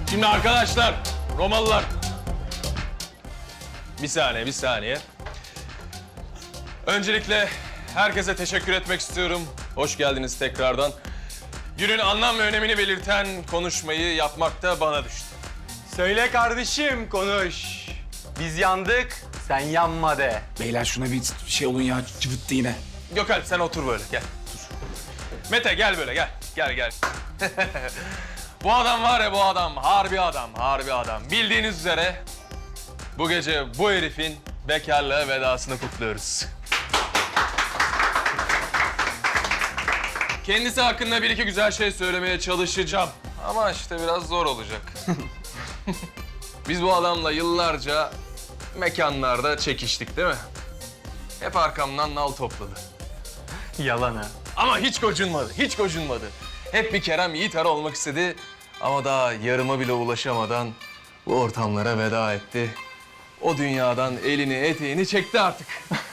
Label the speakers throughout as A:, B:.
A: Şimdi arkadaşlar, Romalılar. Bir saniye. Öncelikle herkese teşekkür etmek istiyorum. Hoş geldiniz tekrardan. Günün anlam ve önemini belirten konuşmayı yapmak da bana düştü.
B: Söyle kardeşim, konuş. Biz yandık, sen yanma de.
C: Beyler şuna bir şey olun ya, cıvıttı yine.
A: Gökalp sen otur böyle, gel. Dur. Mete gel böyle, gel. Gel. Bu adam var ya, bu adam. Harbi adam. Bildiğiniz üzere bu gece bu herifin bekarlığa vedasını kutluyoruz. Kendisi hakkında bir iki güzel şey söylemeye çalışacağım. Ama işte biraz zor olacak. Biz bu adamla yıllarca mekanlarda çekiştik değil mi? Hep arkamdan nal topladı.
B: Yalan ha.
A: Ama hiç gocunmadı. Hep bir Kerem Yiğiter olmak istedi. Ama daha yarıma bile ulaşamadan bu ortamlara veda etti. O dünyadan elini eteğini çekti artık.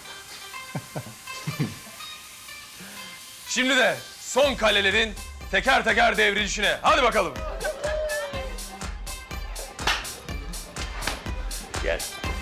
A: Şimdi de son kalelerin teker teker devrilişine. Hadi bakalım. Gel.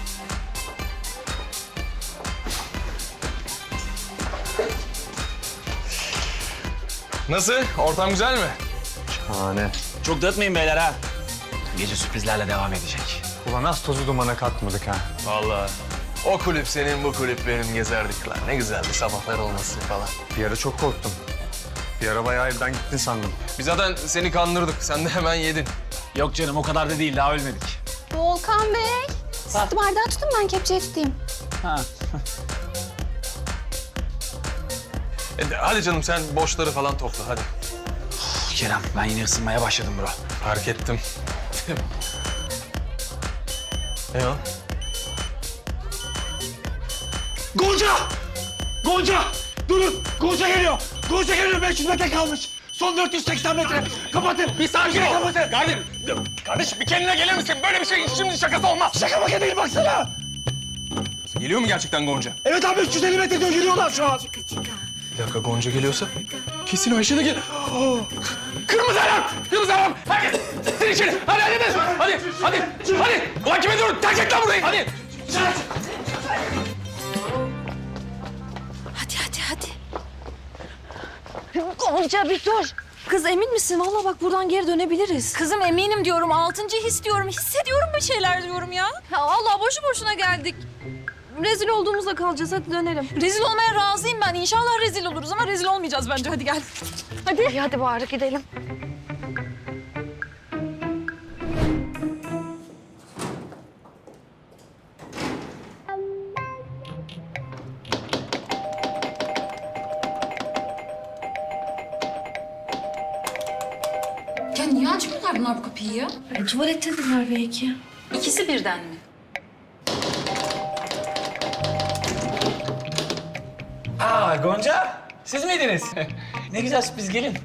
A: Nasıl? Ortam güzel mi?
B: Şahane.
C: Çok dağıtmayın beyler ha. Gece sürprizlerle devam edecek.
B: Ulan az tozu dumana katmadık ha.
A: Vallahi o kulüp senin, bu kulüp benim gezerdik lan. Ne güzeldi sabahlar olmasın falan.
B: Bir ara çok korktum. Bir ara bayağı evden gittin sandım.
A: Biz zaten seni kandırdık. Sen de hemen yedin.
C: Yok canım o kadar da değil, daha ölmedik.
D: Volkan Bey, siz bardağı tutun ben kepçeye tutayım.
C: Ha.
A: Hadi canım sen boşları falan topla hadi.
C: Kerem ben yine ısınmaya başladım bro.
A: Fark ettim. Ne o?
C: Gonca! Durun! Gonca geliyor! 500 metre kalmış. Son 480 metre. Kapatın.
A: Bir sakin ol. Kardeşim bir kendine gelir misin? Böyle bir şey şimdi şakası olmaz.
C: Şaka maka değil baksana.
A: Geliyor mu gerçekten Gonca?
C: Evet abi 350 metre diyor, yürüyorlar şu an.
A: Bir dakika Gonca geliyorsa kesin o Ayşe de gel. Kırmızı alarm! Herkes sen içeri. Hadi. Ulan kime diyorum? Terk et lan burayı. Hadi.
D: Hadi. Gonca bir dur. Kız emin misin? Vallahi bak buradan geri dönebiliriz.
E: Kızım eminim diyorum, 6. his diyorum, hissediyorum bir şeyler diyorum ya.
D: Ya Allah boşu boşuna geldik. Rezil olduğumuzda kalacağız. Hadi dönelim.
E: Rezil olmaya razıyım ben. İnşallah rezil oluruz ama rezil olmayacağız bence. Hadi gel.
D: Hadi bari gidelim.
E: Ya niye açmıyorlar bunlar bu kapıyı ya?
D: Tuvalettedirler belki.
E: İkisi birden mi?
C: Aa Gonca, siz miydiniz? Ne güzel sürpriz, gelin.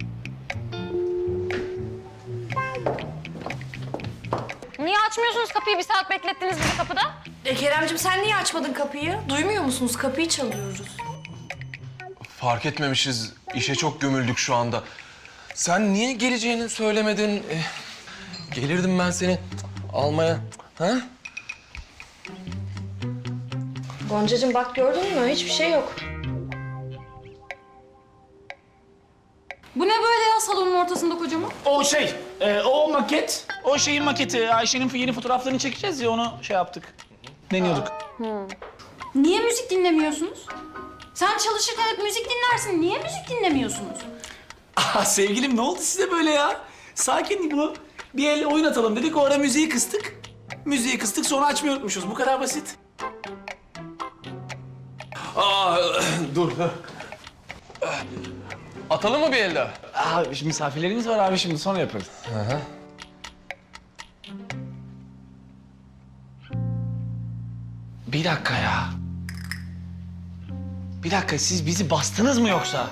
D: Niye açmıyorsunuz kapıyı? Bir saat beklettiniz bizi kapıda. Keremciğim sen niye açmadın kapıyı? Duymuyor musunuz? Kapıyı çalıyoruz.
A: Fark etmemişiz. İşe çok gömüldük şu anda. Sen niye geleceğini söylemedin? Gelirdim ben seni almaya. Ha?
D: Goncacığım bak gördün mü? Hiçbir şey yok.
E: Bu ne böyle ya salonun ortasında kocaman?
C: O şey, o maket, o şeyin maketi. Ayşe'nin yeni fotoğraflarını çekeceğiz ya, onu şey yaptık. Deniyorduk.
E: Niye müzik dinlemiyorsunuz? Sen çalışırken hep müzik dinlersin. Niye müzik dinlemiyorsunuz?
C: Aa, sevgilim ne oldu size böyle ya? Sakin bunu. Bir el oyun atalım dedik, o ara müziği kıstık. Müziği kıstık, sonra açmayı unutmuşuz. Bu kadar basit.
A: Dur. Atalım mı bir el daha?
C: Aa, misafirlerimiz var abi, şimdi sonra yaparız. Bir dakika ya. Bir dakika, siz bizi bastınız mı yoksa?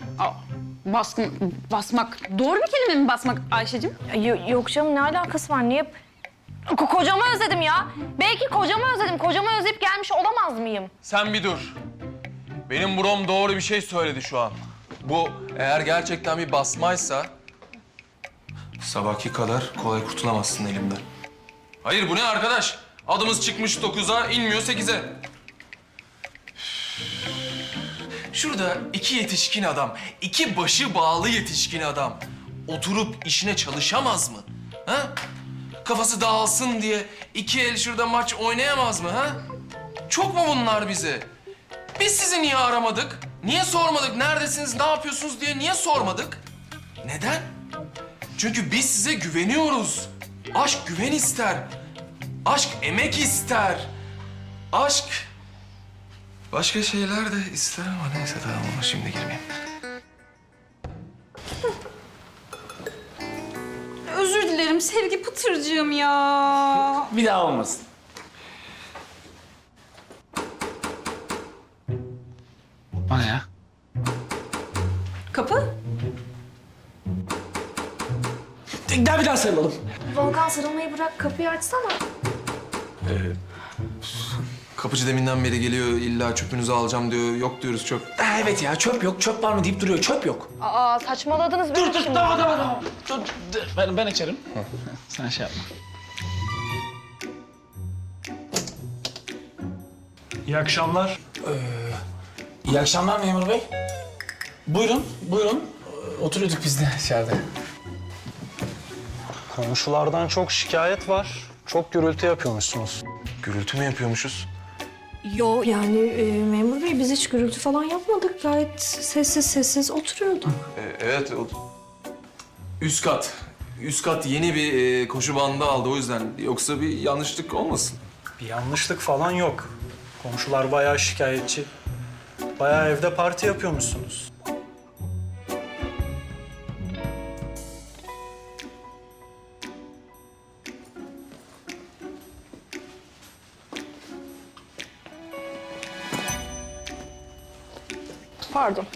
E: Basmak. Doğru bir kelime mi basmak Ayşe'cim?
D: Yok canım ne alakası var? Niye? Kocamı özledim ya. Belki kocamı özledim. Kocamı özleyip gelmiş olamaz mıyım?
A: Sen bir dur. Benim brom doğru bir şey söyledi şu an. Bu eğer gerçekten bir basmaysa Sabahki kadar kolay kurtulamazsın elimden. Hayır bu ne arkadaş? Adımız çıkmış 9'a, inmiyor 8'e. Şurada iki yetişkin adam, iki başı bağlı yetişkin adam oturup işine çalışamaz mı? Ha? Kafası dağılsın diye iki el şurada maç oynayamaz mı ha? Çok mu bunlar bize? Biz sizi niye aramadık? Niye sormadık? Neredesiniz, ne yapıyorsunuz diye niye sormadık? Neden? Çünkü biz size güveniyoruz. Aşk güven ister. Aşk emek ister. Aşk başka şeyler de ister ama neyse tamam ona şimdi girmeyeyim.
E: Özür dilerim Sevgi Pıtırcığım ya.
C: Bir daha olmasın. O ne ya?
E: Kapı?
C: Bir daha sarılalım.
D: Volkan sarılmayı bırak kapıyı açsana.
A: Kapıcı deminden beri geliyor illa çöpünüzü alacağım diyor. Yok diyoruz çöp.
C: Ha, evet ya çöp yok, çöp var mı deyip duruyor. Çöp yok.
D: Aa saçmaladınız.
C: Dur tamam. Dur, ben açarım. Sen şey yapma.
F: İyi akşamlar.
C: İyi akşamlar memur bey. Buyurun. Oturuyorduk biz de içeride.
F: Komşulardan çok şikayet var. Çok gürültü yapıyormuşsunuz.
A: Gürültü mü yapıyormuşuz?
D: Yo yani memur bey biz hiç gürültü falan yapmadık. Gayet sessiz oturuyorduk.
A: Evet. Üst kat. Üst kat yeni bir koşu bandı aldı o yüzden. Yoksa bir yanlışlık olmasın.
F: Bir yanlışlık falan yok. Komşular bayağı şikayetçi. Bayağı evde parti yapıyormuşsunuz.
D: Pardon.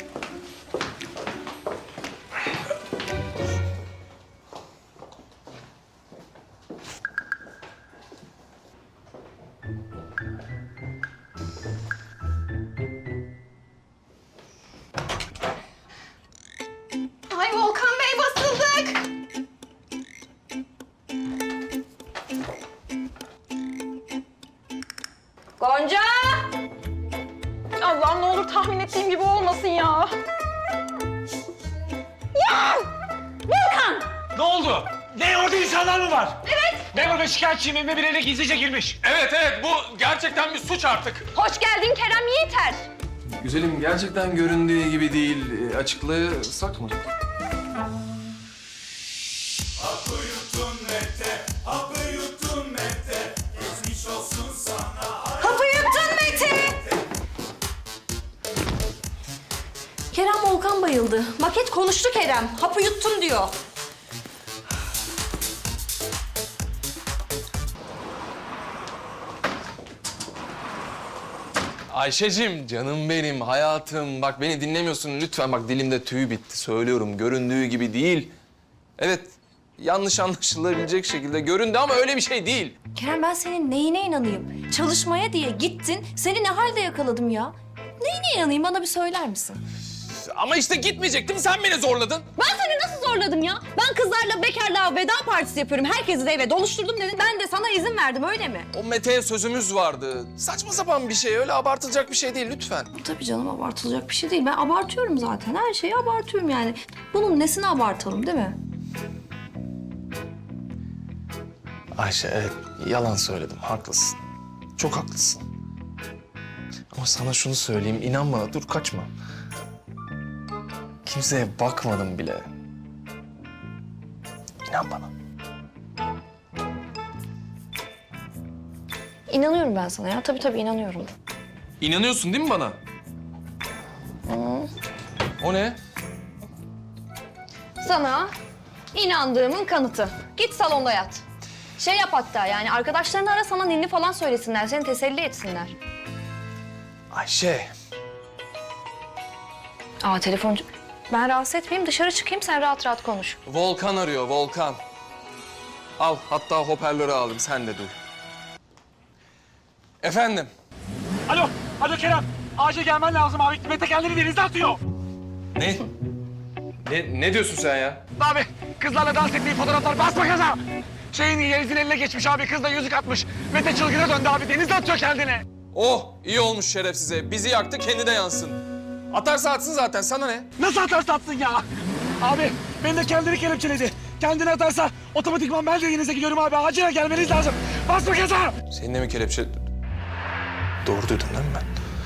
E: Ay Volkan Bey basıldık.
D: Gonca! Allah'ım ne olur tahmin ettiğim gibi olmasın ya.
G: Ne oldu? Ne orada insanlar mı var? Evet. Memur Bey şikayetçiyim, evime birileri gizlice girmiş.
A: Evet bu gerçekten bir suç artık.
D: Hoş geldin Kerem Yiğiter.
A: Güzelim gerçekten göründüğü gibi değil. Açıklasak mı?
D: Hapı yuttun Mete. Kerem Volkan bayıldı. Maket konuştu Kerem. Hapı yuttun diyor.
A: Ayşe'cim, canım benim, hayatım. Bak beni dinlemiyorsun lütfen. Bak dilimde tüy bitti. Söylüyorum, göründüğü gibi değil. Evet, yanlış anlaşılabilecek şekilde göründü ama öyle bir şey değil.
D: Kerem ben senin neyine inanayım? Çalışmaya diye gittin. Seni ne halde yakaladım ya? Neyine inanayım bana bir söyler misin?
A: Ama işte gitmeyecektim, sen beni zorladın.
D: Ben seni nasıl zorladım ya? Ben kızlarla bekarlığa veda partisi yapıyorum. Herkesi de eve doluşturdum dedin. Ben de sana izin verdim öyle mi?
A: O Mete'ye sözümüz vardı. Saçma sapan bir şey, öyle abartılacak bir şey değil lütfen.
D: Tabii canım abartılacak bir şey değil. Ben abartıyorum zaten. Her şeyi abartıyorum yani. Bunun nesini abartalım değil mi?
A: Ayşe evet, yalan söyledim, haklısın. Çok haklısın. Ama sana şunu söyleyeyim, inan bana, dur kaçma. Kimseye bakmadım bile. İnan bana.
D: İnanıyorum ben sana ya. Tabii inanıyorum.
A: İnanıyorsun değil mi bana? O ne?
D: Sana inandığımın kanıtı. Git salonda yat. Şey yap hatta yani arkadaşlarını ara sana ninni falan söylesinler. Seni teselli etsinler.
A: Ayşe.
D: Aa telefoncu. Ben rahatsız etmeyeyim dışarı çıkayım sen rahat rahat konuş.
A: Volkan arıyor, Volkan. Al, hatta hoparlörü aldım, sen de duy. Efendim?
G: Alo Kerem. Acil gelmen lazım abi. Mete kendini denize atıyor.
A: Ne? Ne diyorsun sen ya?
G: Abi kızlarla dans ettiği fotoğraflar basma gaza. Yeliz'in eline geçmiş abi. Kız da yüzük atmış. Mete çılgına döndü abi. Denizde atıyor kendini.
A: Oh iyi olmuş şerefsize. Bizi yaktı kendi de yansın. Atarsa atsın zaten sana ne?
G: Nasıl atarsa atsın ya? Abi beni de kendini kelepçeledi. Kendini atarsa otomatikman ben de Deniz'e gidiyorum abi. Acilen gelmeniz lazım. Basma gaza.
A: Senin de mi kelepçe... Doğru duydum değil mi ben?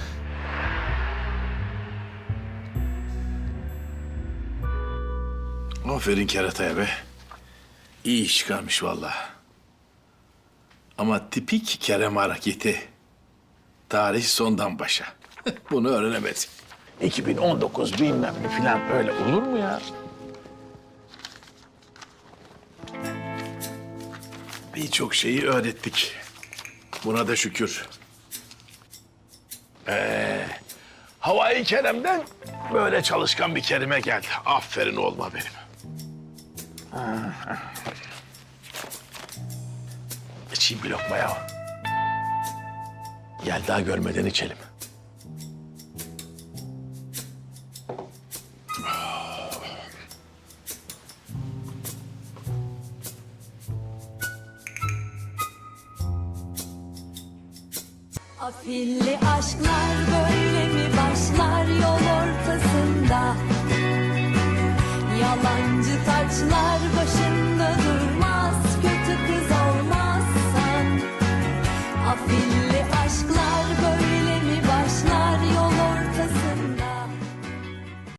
H: Aferin kerataya be. İyi iş çıkarmış vallahi. Ama tipik Kerem hareketi. Tarih sondan başa. Bunu öğrenemedik. 2019 bilmem ne falan öyle olur mu ya? Birçok şeyi öğrettik. Buna da şükür. Havai Kerem'den böyle çalışkan bir Kerim'e geldi. Aferin olma benim. İçeyim bir lokma ya. Gel daha görmeden içelim.
I: Afilli aşklar böyle mi başlar yol ortasında? Yalancı taçlar başı